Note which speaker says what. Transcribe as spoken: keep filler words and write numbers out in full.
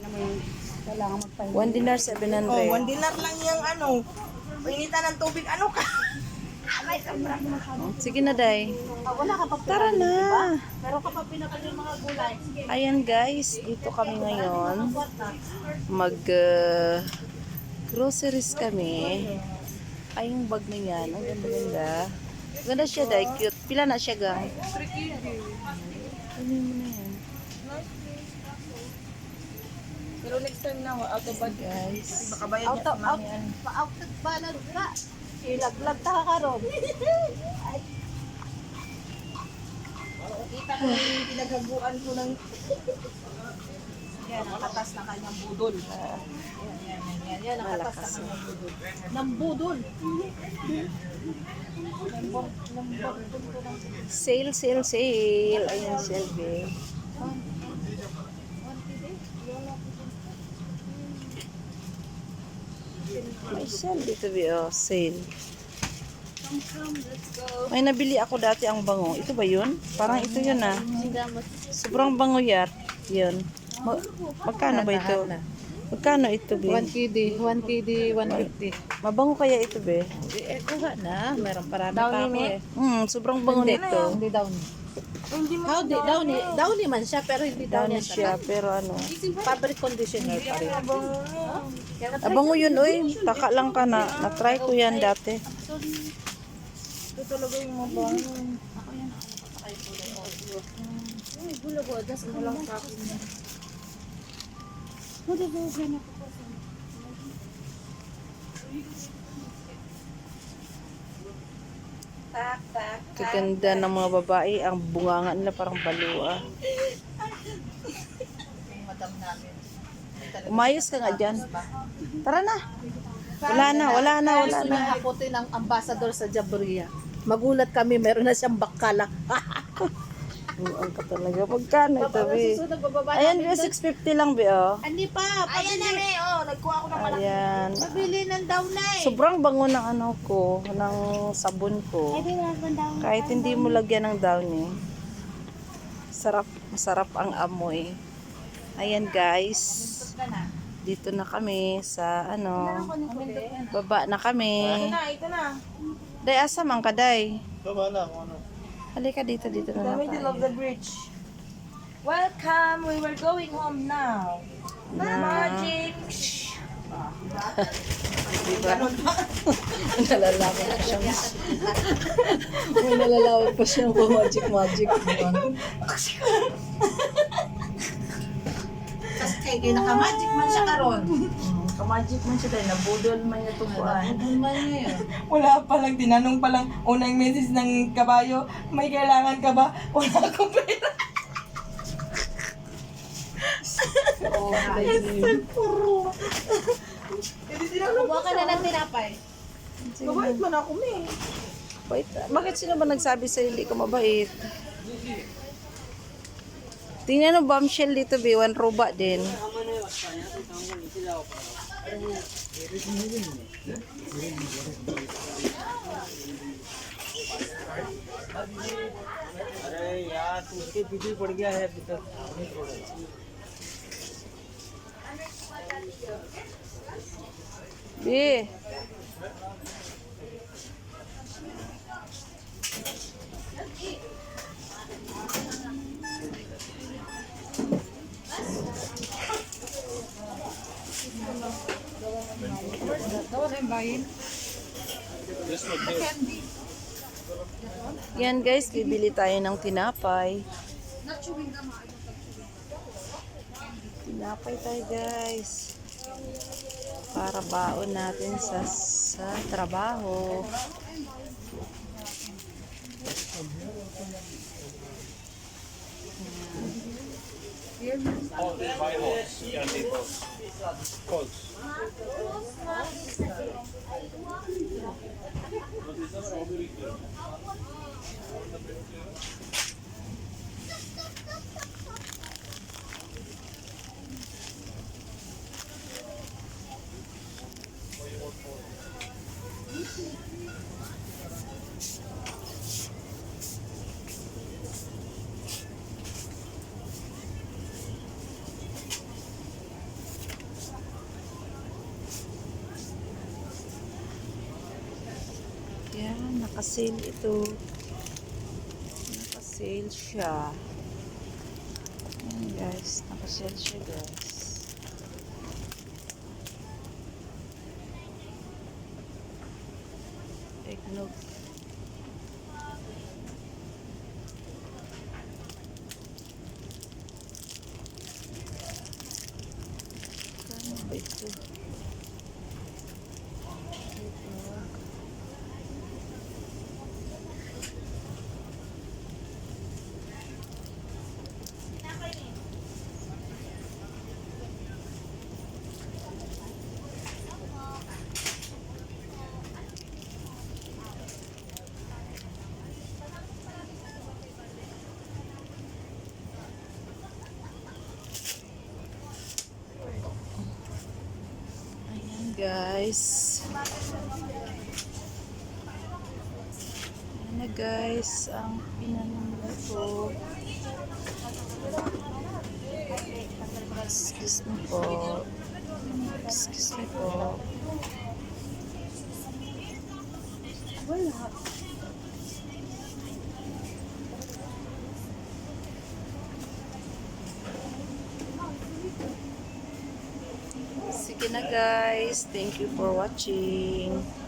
Speaker 1: Kailangan magpahinga.
Speaker 2: One dinar, seven
Speaker 3: Oh,
Speaker 2: hundred.
Speaker 3: one dinar lang yung ano. Painitan ng tubig, ano ka?
Speaker 2: Sige na, Day.
Speaker 1: Ah, wala ka pa
Speaker 2: Tara na.
Speaker 1: Pero kapag pinapal yung mga gulay, sige.
Speaker 2: Ayan guys, dito kami ngayon. Mag uh, groceries kami. Ay, yung bag na yan. Ang ganda-ganda. Ganda siya, Day. Cute. Pila na siya, gang? Ano mo na yan?
Speaker 3: Pero next time na, out of budget.
Speaker 2: Guys.
Speaker 3: Baka bayad
Speaker 1: Out
Speaker 3: niya
Speaker 1: of,
Speaker 3: si
Speaker 1: out,
Speaker 3: mami yan.
Speaker 1: pa-out of balance ka. Ilaglag ta ka ron.
Speaker 3: Kita ko yung pinaghaguan ko ng... Yan, nakatas na kanyang budol. Yan, yan, yan, yan, yan, nakatas na kanyang budol.
Speaker 1: Ng budol.
Speaker 2: Sale, sale, sale. Ayan, Shelby. May sale dito, Bi. Oh, sale. May nabili ako dati ang bango. Ito ba yun? Parang ito yun ah. Sobrang bango yan. Yun. Ma- magkano ba ito? Magkano ito, Bi?
Speaker 1: one K D, one K D, one fifty.
Speaker 2: Mabango kaya ito, Bi?
Speaker 1: Eh, kuha na. Meron parami
Speaker 3: Downy
Speaker 1: pa ako
Speaker 3: ni?
Speaker 1: eh.
Speaker 2: Hmm, sobrang bango nito.
Speaker 1: Hindi downy.
Speaker 3: Hindi mo
Speaker 1: How di, downy, downy man siya, pero hindi
Speaker 2: Downy
Speaker 1: downy
Speaker 2: siya, pero ano.
Speaker 1: Fabric conditioner pa rin.
Speaker 2: Abango yun, oy. Taka lang ka na. Na-try ko yan dati.
Speaker 3: ito talaga yung mabang.
Speaker 1: Uy, gulo ko, das mo lang sa akin.
Speaker 3: Tak, tak.
Speaker 2: Kaganda ng mga babae. Ang bunganga nila parang balua.
Speaker 3: Madam namin.
Speaker 2: Umayos ka nga dyan. Tara na. Wala na, wala na, wala
Speaker 1: Gusto
Speaker 2: na.
Speaker 1: niya hakutin ang ambassador sa Jabria. Magulat kami, meron na siyang bakala.
Speaker 2: Ang ka talaga. Magkano ito, Bi?
Speaker 1: Susunod, bababa
Speaker 2: Ayan, Bi.
Speaker 1: namin doon.
Speaker 2: six fifty lang, Bi, oh.
Speaker 1: Hindi pa,
Speaker 3: Ayan na,
Speaker 1: pabili.
Speaker 3: me. Oh, nagkuha ako ng malaki.
Speaker 2: Ayan.
Speaker 1: Pabili ng downline.
Speaker 2: Sobrang bango ng ano ko, ng sabon ko. Kahit hindi mo lagyan ng downy. Sarap, masarap ang amoy. Ayan, guys. Dito na kami sa ano, baba na kami.
Speaker 3: Ito na, ito na.
Speaker 2: Day, asa man ka, Day? Halika dito, dito na lang
Speaker 3: The middle of
Speaker 2: tayo.
Speaker 3: the bridge. Welcome, we were going home now.
Speaker 2: Na,
Speaker 3: Magic.
Speaker 2: diba? Nalalawag pa siya. May nalalawag pa siya ng magic magic. Diba?
Speaker 1: Kasi kay kay naka-magic man siya karon.
Speaker 2: Kamagic man siya dahil nabudol man niya tubuan.
Speaker 1: man niya yun.
Speaker 3: Wala pa lang, tinanong pa lang, unang message ng kabayo, may kailangan ka ba? Wala akong pera.
Speaker 1: Oo,
Speaker 3: Puro. Hindi tinanong
Speaker 1: Kuha ka na ng tinapay.
Speaker 3: mabait man ako, me.
Speaker 2: Wait, bakit sino ba nagsabi sa hindi ko mabait? Tingnan mo, bombshell dito, B. One roba din.
Speaker 4: अरे यार तू उसके पीछे पड़ गया है अभी तक नहीं छोड़ेगा
Speaker 2: B. Yan guys, bibili tayo ng tinapay. Tinapay tayo guys. Para baon natin sa sa trabaho. Naka-sale ito. Naka-sale siya. Ayan guys, naka-sale siya guys. Eggnog. Kano ba ito? Eggnog. Ayan guys. Ayan na guys ang pinanunod ko. Excuse me po. Excuse me po. Wala. Sige na guys. Thank you for watching.